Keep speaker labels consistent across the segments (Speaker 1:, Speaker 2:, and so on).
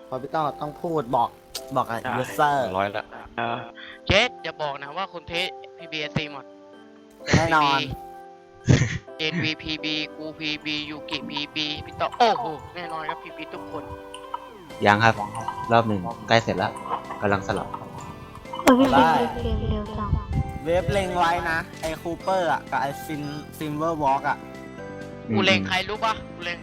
Speaker 1: พอพี่ต้องพูดบอกกับยูเซอร์
Speaker 2: ร้อยละ
Speaker 3: เจสอย่าบอกนะว่าคุณเทส PBSC หมด
Speaker 1: แน่นอน
Speaker 3: NV PB กู PB ยูกิ PB พี่ต่อโอ้โหแน่นอนครับ PB ทุกคน
Speaker 4: ยังครับรอบหนึ่งใกล้เสร็จแล้วกำลังสลับ
Speaker 5: พี่
Speaker 1: ได้
Speaker 5: เกมเร็วจัง
Speaker 1: เวฟเล็งไว้นะไอ้คูเปอร์อ่ะกับไอ้ซินเวอร์วอล์กอ่ะ
Speaker 3: กูเลงใครรู้ปะกูเลง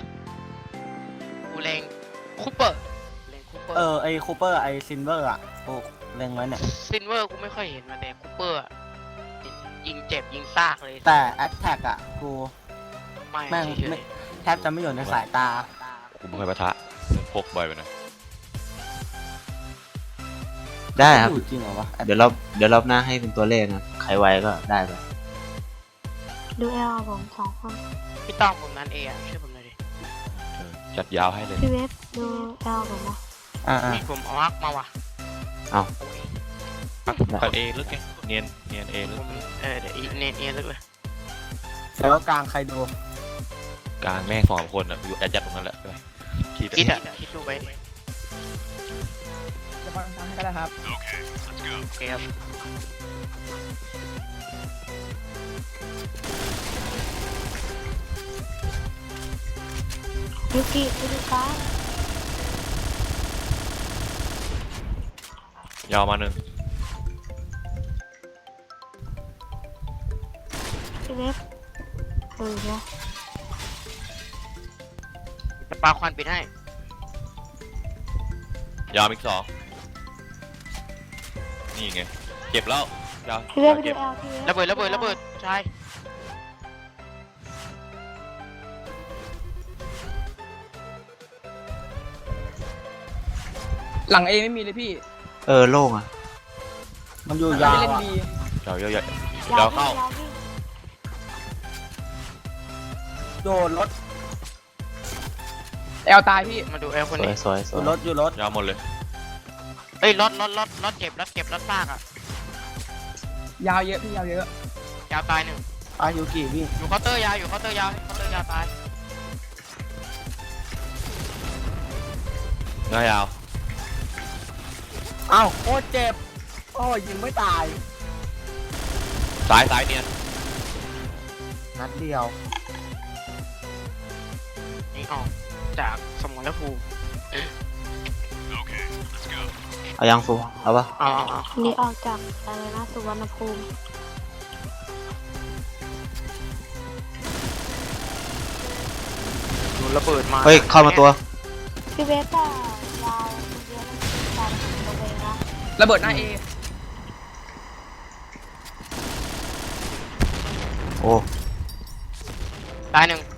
Speaker 3: คูเปอร์เลงคูเปอร์
Speaker 1: ไอ้คูเปอร์ไอ้ซินเวอร์อ่ะกูเล็งไว้เนี่ย
Speaker 3: ซินเวอร์กูไม่ค่อยเห็นมาแต่คูเปอร์ยิงเจ็บยิงซากเลย
Speaker 1: แต่แอตแทกอ่ะกู
Speaker 3: ไม่
Speaker 1: แม่ง
Speaker 3: เฉ
Speaker 1: ไม่
Speaker 3: ย
Speaker 1: แทบจะไม่อยู่ในสายตา
Speaker 2: กูไม่เคยปะทะพกบ่อยไปหน่อย
Speaker 4: ได้ครับ
Speaker 1: อยู่จริงเหรอวะ
Speaker 4: เดี๋ยวรอบหน้าให้เป็นตัวเลขนะใครไวก็ได้ไป
Speaker 5: ดูแอลผม2 คน
Speaker 3: ๆพี่ต้องผมนั้นเองอะช่วยผมหน่อยดิ
Speaker 2: จัดยาวให้เลย
Speaker 5: พี่เวฟดูแอลผมนะ
Speaker 1: อ่า
Speaker 3: นี่ผมเอาอักมาว่ะ
Speaker 4: เอา
Speaker 3: โอ้ย
Speaker 2: ตัดเอลึกไงเนียนเอลึ
Speaker 3: ผ
Speaker 2: ก
Speaker 3: มเดี๋ยวอีเนียนลึกเลย
Speaker 1: แล้วกลางใครดู
Speaker 2: กลางแม่งสองคนอ่ะอยู่แอดยัดตรงนั้นแหละคิด
Speaker 3: คิดอะคิดดูไป
Speaker 6: จะฟังทั้งก็ได้ครับ
Speaker 3: โอเคครับ
Speaker 5: ยูกิดูฟ้าย
Speaker 2: าวมาหนึ่ง
Speaker 5: พี่เวฟนะ
Speaker 3: จะปาควันปิดให้
Speaker 2: ยาวอีกสองนี่ไงเก็บแล้วยาว
Speaker 5: พี่เวฟดู
Speaker 2: เก็บ
Speaker 5: แอลพี่เวฟ
Speaker 3: ระเบิดใช่
Speaker 6: หลังเอไม่มีเลยพี่
Speaker 4: โล่งอ่ะ
Speaker 1: มันอยู่
Speaker 6: ไม่
Speaker 1: ยาว
Speaker 6: เล่น
Speaker 1: อ่ะ
Speaker 6: บี
Speaker 2: ยาวยาวยาวย
Speaker 5: า
Speaker 2: าว วเข้า
Speaker 5: ยาวพี่
Speaker 1: โดนรถ
Speaker 6: แอลตายพี่
Speaker 3: มาดูเอลคน
Speaker 4: สวย
Speaker 3: นี้
Speaker 4: สวยส
Speaker 1: อ
Speaker 4: วย
Speaker 1: ยู่รถ
Speaker 2: ยาวหมดเลย
Speaker 3: เอ้ยรถเก็บรถซากอะ
Speaker 6: ยาวเยอะพี่ยาวเยอะ
Speaker 3: ยาวตายหนึ่ง
Speaker 1: อายุกี่วิ่ง
Speaker 3: อยู่เคาน์เตอร์ยาวตาย
Speaker 2: หน้ายาว
Speaker 1: อ้าวโคตรเจ็บโอ้ยยิงไม่ตาย
Speaker 2: ซ้ายเนียน
Speaker 1: นัดเดียว
Speaker 3: นี่ออกจากสมรภูมิ
Speaker 4: เอายังฟูเอาปะ
Speaker 3: อ๋อ
Speaker 5: นี่ออกจากอะไรนะสุวรรณภูมิ
Speaker 3: ดูระเบิดมา
Speaker 4: เฮ้ยเข้ามาตัว
Speaker 5: พี่เวฟอะยาวเยอะมันตายตัวเองนะ
Speaker 6: ระเบิดหน้าเอ
Speaker 4: โอ้
Speaker 3: ตายหนึ่ง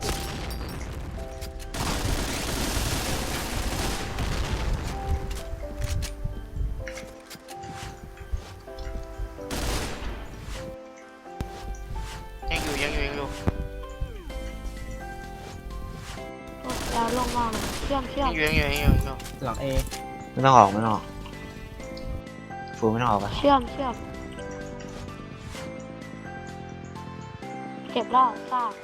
Speaker 3: ยังอยู่
Speaker 5: แอลลงมาเลยเชื่อม
Speaker 3: ยังอยู่
Speaker 1: หลังเอ
Speaker 4: ไม่ต้องออกฟูไม่ต้องออกปะ
Speaker 5: เชื่อมเก็บแล้วซาก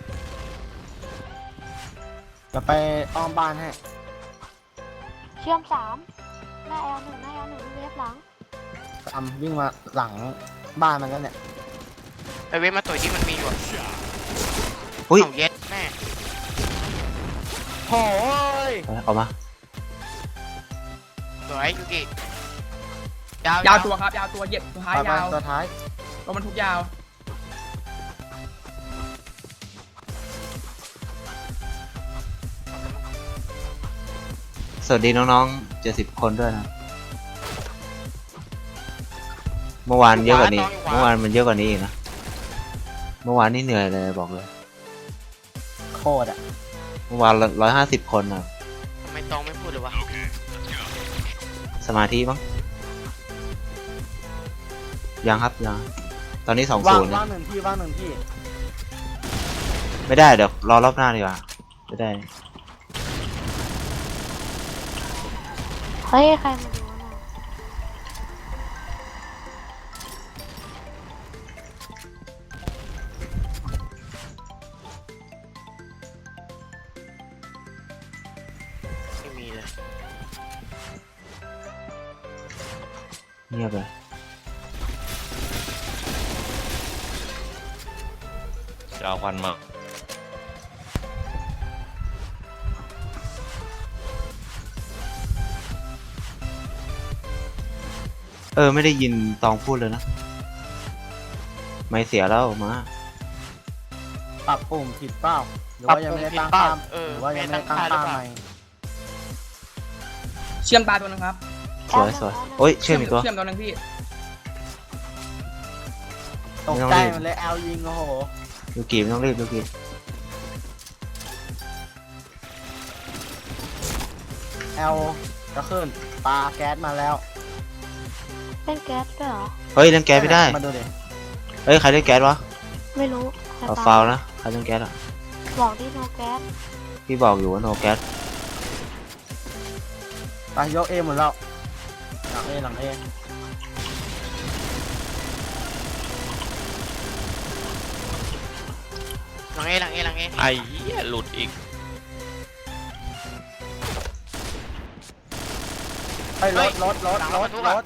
Speaker 1: จะไปอ้อมบ้านให้
Speaker 5: เชื่อม3หน้าแอล1พี่เวฟหลัง
Speaker 1: ตามวิ่งมาหลังบ้านมันแล้วเนี่ย
Speaker 3: ไอเวฟมาต่อยที่มันมีอยู่
Speaker 4: อุ้ย
Speaker 3: เอาเย็ดแม่
Speaker 1: โอ้ย
Speaker 4: เอามา
Speaker 3: สวยยูกิ
Speaker 6: ยาวตัวครับยาวตัวเหยียบสุดท้าย
Speaker 1: ไป
Speaker 6: ยาว
Speaker 1: ตัวท้าย
Speaker 6: รถบรรทุกยาว
Speaker 4: สวัสดีน้องๆ70 คนด้วยนะเมื่อวานเยอะกว่านี้เมื่อวานมันเยอะกว่านี้อีกนะเมื่อวานนี่เหนื่อยเลยบอกเลย
Speaker 1: โคตรอ่ะ
Speaker 4: เมื่อวาน150 คนนะ
Speaker 3: ทำไมตองไม่พูดเลยวะ
Speaker 4: สมาธิมั้งยังครับยังตอนนี้
Speaker 1: ว่าง
Speaker 4: 2-0นะ
Speaker 1: ว่างหนึ่งที่
Speaker 4: ไม่ได้เดี๋ยวรอรอบหน้าดีกว่าไม่ได้
Speaker 5: เฮ้ยใครมาดูนะ
Speaker 3: ไม่มีเลย
Speaker 4: เงียบเลย
Speaker 2: จะเอาควันมา
Speaker 4: ไม่ได้ยินตองพูดเลยนะ ไม่เสียแล้วมา
Speaker 1: ปรับปุ่มผิดเปล่าหรือว่ายังไม่ได้ตั้งค่าหรือว่ายังไม่ได้ตั้งค่าใหม่
Speaker 6: เชื่อมตาตัวนึงครับ
Speaker 4: สวยสวยโอ้ยเชื่อมอีกตัว
Speaker 6: เชื่อมตัวนึงพี่
Speaker 1: ตกใจมันเลยแอลยิงโอ้โห
Speaker 4: ลูกีไม่ต้องรีบลูกี
Speaker 1: แอลจะขึ้นปลาแก๊สมาแล้ว
Speaker 5: เล่นแก๊สด้วยเหรอ
Speaker 4: เฮ้ยเล่นแก๊สไม่ได้
Speaker 1: มาดูดิ
Speaker 4: เฮ้ยใครเล่นแก๊สวะ
Speaker 5: ไม่รู้ใคร
Speaker 4: เอา
Speaker 5: ตาม
Speaker 4: ฟาวล์นะใครเล่นแก๊สอ่ะ
Speaker 5: บอกที่โนแก๊ส
Speaker 4: พี่บอกอยู่ว่าโนแก๊ส
Speaker 1: ไปยกเอหมดแล้วหลังเอหลังเอ
Speaker 3: หลังเอหลังเอหลังเอ
Speaker 2: ไอ้เหี้ยหลุดอีก
Speaker 1: ไปรถ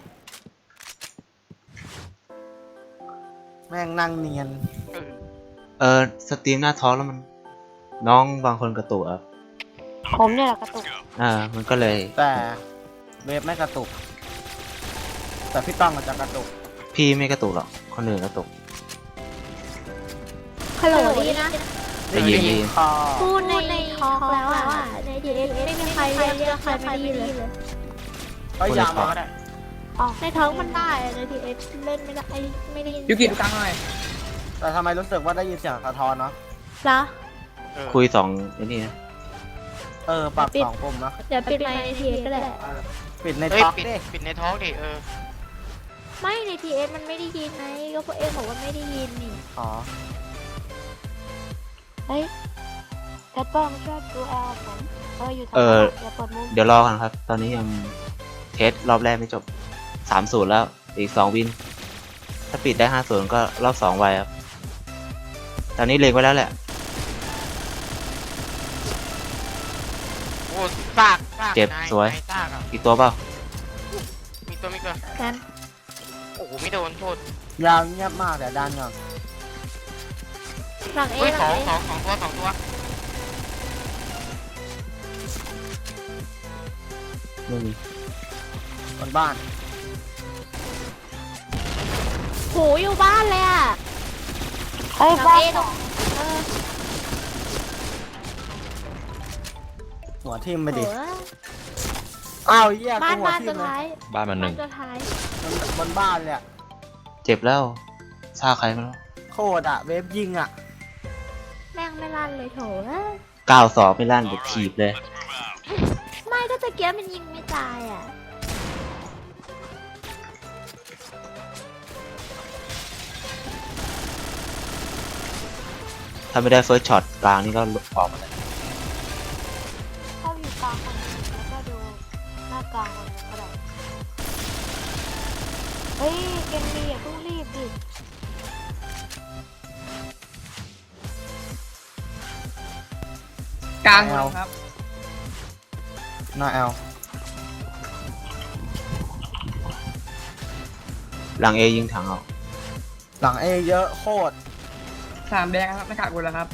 Speaker 1: แม่งนั่งเนียน
Speaker 4: สตรีมหน้าท้องแล้วมัน น้องบางคนกระตุกอ่ะ
Speaker 5: ผมเนี่ยแหละกระตุก
Speaker 4: มันก็เลย
Speaker 1: แต่เวฟไม่กระตุก แต่พี่ต้องอาจจะกระตุก
Speaker 4: พี่ไม่กระตุกหรอกคนอื่นกระตุก
Speaker 5: ฮัลโหลดีนะ
Speaker 4: ได้ยินได้ยิน
Speaker 1: คอ
Speaker 5: พูดในทอล์กแล้วอ่ะในทีเอสไม่มีใครเรียกใครไม่ได้ยินเลย
Speaker 1: ก็ยาวมาก็ได้
Speaker 5: อ๋อในท้องมันได้ในทีเอสเล่นไม่ได้ไม่ได้ยิน
Speaker 6: ยูกิดูกลางหน่อย
Speaker 1: แต่ทำไมรู้สึกว่าได้ยินเสียงสะท้อนเนาะ
Speaker 5: เหรอ
Speaker 4: คุยสองไอ้นี่นะ
Speaker 1: ปรับ2ปุ่มนะ
Speaker 5: เดี๋ยวปิดไมค์ในทีเอสก็ได้
Speaker 1: ปิดใน
Speaker 3: เฮ้ย
Speaker 1: ท็อก
Speaker 3: ปิด
Speaker 1: ดิ
Speaker 3: ปิดในท้องดิ
Speaker 5: ไม่ในทีเอสมันไม่ได้ยินไงก็พวกเอ็มบอกว่าไม่ได้ยินนี่
Speaker 1: อ๋อ
Speaker 5: เฮ้ยแคทเปอร์มาช่วยดูแอลผมอยู่ทางอย่าเปิดมุม
Speaker 4: เดี๋ยวรอกันครับ ตอนนี้ยังเทสรอบแรกไม่จบ 3-0 แล้วอีก2 วิน ถ้าปิดได้ 5-0 ก็รอบ 2 ไวครับ ตอนนี้เล็งไว้แล้วแหละ
Speaker 3: โอ้ซาก
Speaker 4: เจ็บ
Speaker 3: นาย
Speaker 4: สวย
Speaker 3: นายซากอ่ะ
Speaker 4: อีกตัวเปล่า
Speaker 3: มีตัว
Speaker 5: กัน
Speaker 3: โอ้โหไม่โดนโทษ
Speaker 1: ยาวเงียบมากเดี๋ยวดันก่อน
Speaker 5: หลังเอ
Speaker 3: เฮ้ย
Speaker 5: ห
Speaker 3: ส
Speaker 5: ลั
Speaker 3: อง ง
Speaker 5: เอ
Speaker 3: ตัว
Speaker 4: ไม่มี
Speaker 1: บนบ้าน
Speaker 5: โหอยู่บ้านเลยอ่ะเฮ้ยบ้านตรง
Speaker 1: หัวทิ่มไป
Speaker 5: โห
Speaker 1: ดิอ้าวเหี้ย
Speaker 5: บ้า
Speaker 1: กู
Speaker 5: น
Speaker 1: หัว
Speaker 5: บ้าน
Speaker 1: ทิ่
Speaker 5: ตั
Speaker 1: ม
Speaker 5: ว
Speaker 1: เลย
Speaker 5: ท้าย
Speaker 2: บ้านมันหนึ่ง
Speaker 5: ตัวท้าย
Speaker 1: บนบ้านเลยอะ
Speaker 4: เจ็บแล้วซาใครไม่รู้
Speaker 1: โคตรอะเวฟยิงอะ
Speaker 5: แม่งไม่ลั่นเลยโถ
Speaker 4: 9-2 ไม่ลั่นเดี๋ยวถีบเลย
Speaker 5: ไม่ก็ตะเกียบมันยิงไม่ตายอ่ะ
Speaker 4: ถ้าไม่ได้เฟิร์สช็อตกลางนี่ก็ออกมาเลย
Speaker 5: เข้าอยู่กลางคนแล้วก็ดูหน้ากลางคนก็ได้เฮ้ยเกมดีอย่าเพิ่งรีบดิ
Speaker 6: กลางตัวนึงครับ
Speaker 1: หน้าแอล
Speaker 4: หลังเอยิงถังออก
Speaker 1: หลังเอเยอะโคตร
Speaker 6: สามแดงครับไม่ขาดคนแล้วครับ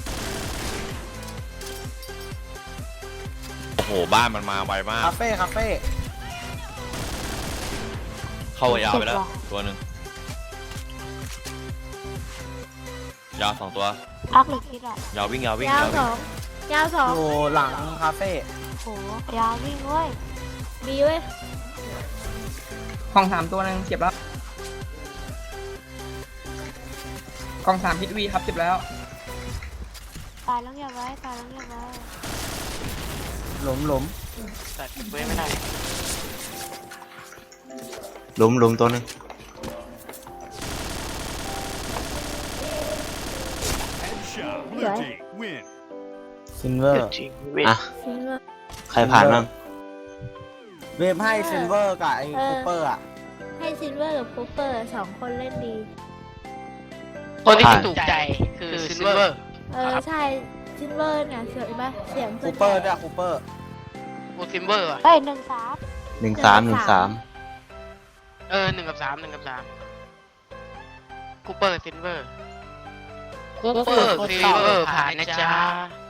Speaker 2: โอ้โหบ้านมันมาไวมาก
Speaker 1: คาเฟ่
Speaker 2: เข้ายาวไปแล้วตัวหนึ่งยาว2 ตัว
Speaker 5: พักหรือคิดอ่ะ
Speaker 2: ยาววิ่ง
Speaker 5: ยาวสองยาวสอง
Speaker 1: อยู่หลังคาเฟ่
Speaker 5: โหยาววิ่งเว้ยดีเว้ย
Speaker 6: ของ3ตัวนึงเจ็บแล้วกอง3ฮิตวีครับเจ็บแล้ว
Speaker 5: ตายแล้วอย่าไว้ตายแล้วอย่าไว้
Speaker 1: หลุม
Speaker 3: แต่เว้ยไม่ได้
Speaker 4: หลุมตัวหนึง
Speaker 5: สวย
Speaker 1: ซินเวอร์
Speaker 4: อ่ะ
Speaker 5: ซิงเกิล
Speaker 4: ใครผ่านบ้าง
Speaker 1: เวฟให้ซินเวอร์กับไอ้คูเปอร์อะ
Speaker 5: ให้ซิลเวอร์กับคูเปอร์สองคนเล่นดี
Speaker 3: คนที่ถูกใจคือซิลเวอร์
Speaker 5: ใช่ซิลเวอร์เนี่ยเสียงปะเสียง
Speaker 1: คูเปอร์ด้วยคูเปอร์
Speaker 3: กูซิลเวอร์อ่ะ
Speaker 5: เอ้ย1-3
Speaker 4: 1-3
Speaker 3: 1 กับ 3คูเปอร์ซิลเวอร์คูเปอร์ซิลเวอร์ผ่านนะจ๊ะ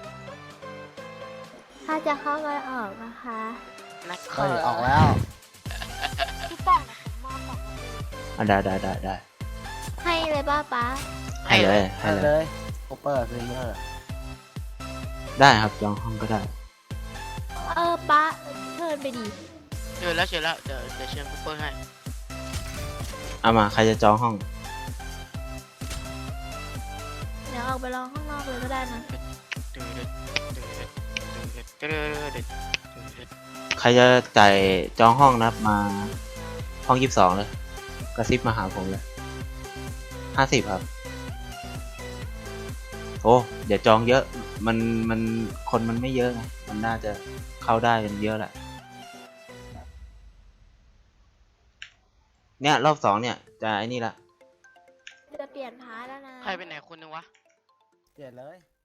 Speaker 5: ถ้าจะเข้ากันออกนะคะ
Speaker 3: นัก
Speaker 1: เฮ้ยออกแล้ว
Speaker 5: พี่ป้องมาปกติ
Speaker 4: ได้
Speaker 5: ให้เลยป้าป๊า
Speaker 4: ให้เลย
Speaker 1: ให้เลยโอเปอร์ซิลเวอร์
Speaker 4: ได้ครับจองห้องก็ได้
Speaker 5: ป้าเชิญไปดิ
Speaker 3: เชิญแล้วเดี๋ยวเชิญคูเปอร์ให้
Speaker 4: เอามาใครจะจองห้อง
Speaker 5: เดี๋ยวออกไปรอข้างนอกเลยก็ได้นะ
Speaker 4: ใครจะจ่ายจองห้องนะครับมาห้อง22เลยกระซิบมาหาผมเลย50ครับโอ้เดี๋ยวจองเยอะมันคนมันไม่เยอะไงมันน่าจะเข้าได้กันเยอะแหละเนี่ยรอบ2เนี่ยจะไอ้นี่ละ
Speaker 5: จะเปลี่ยนพาร์ทแล้วนะ
Speaker 3: ใครเป็นไหนคนนึงวะ
Speaker 1: เปลี่ยนเลย